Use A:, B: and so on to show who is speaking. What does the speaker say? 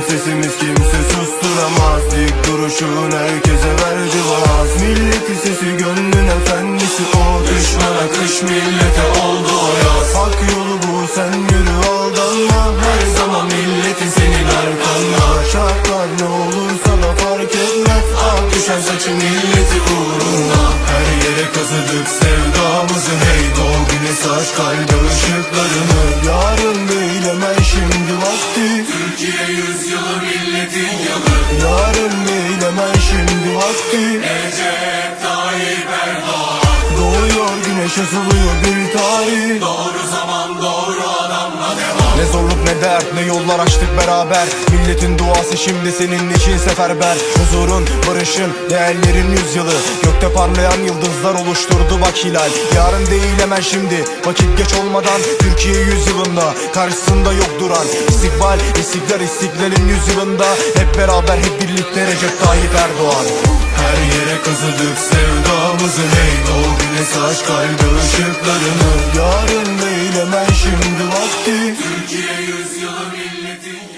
A: sesimiz kimse susturamaz. Dik duruşun herkese verdi vaaz. Milleti sesi gönlün efendisi o. Düşmana kış millete oldu o yaz. Hak yolu bu, sen yürü aldanma. Her zaman milletin senin arkanda. Şartlar ne olursa da fark etmez. Ak düşen saçı milleti uğruna. Her yere kazıdık sevdamızı, hey doğ güneş aç kalbe ışıklarını. Yarın değil hemen şimdi vakti.
B: Türkiye yüzyılı milletin yılı.
A: Yarın değil hemen şimdi vakti.
B: Recep Tayyip Erdoğan.
A: Doğuyor güneş, asılıyor bir tarih.
B: Doğru zaman doğru adamla devam.
A: Ne zorluk ne dert ne yollar açtık beraber. Milletin duası şimdi senin için seferber. Huzurun, barışın, değerlerin yüzyılı. Gökte parlayan yıldızlar oluşturdu bak hilal. Yarın değil hemen şimdi, vakit geç olmadan. Türkiye yüzyılında, karşısında yok duran. İstikbal, istiklal, istiklalin yüzyılında. Hep beraber, hep birlikte Recep Tayyip Erdoğan. Her yere kazıdık sevdamızı, hey doğ güneş aç kalbe ışıklarını. Yarın değil hemen şimdi vakti.
B: Türkiye yüzyılı milletin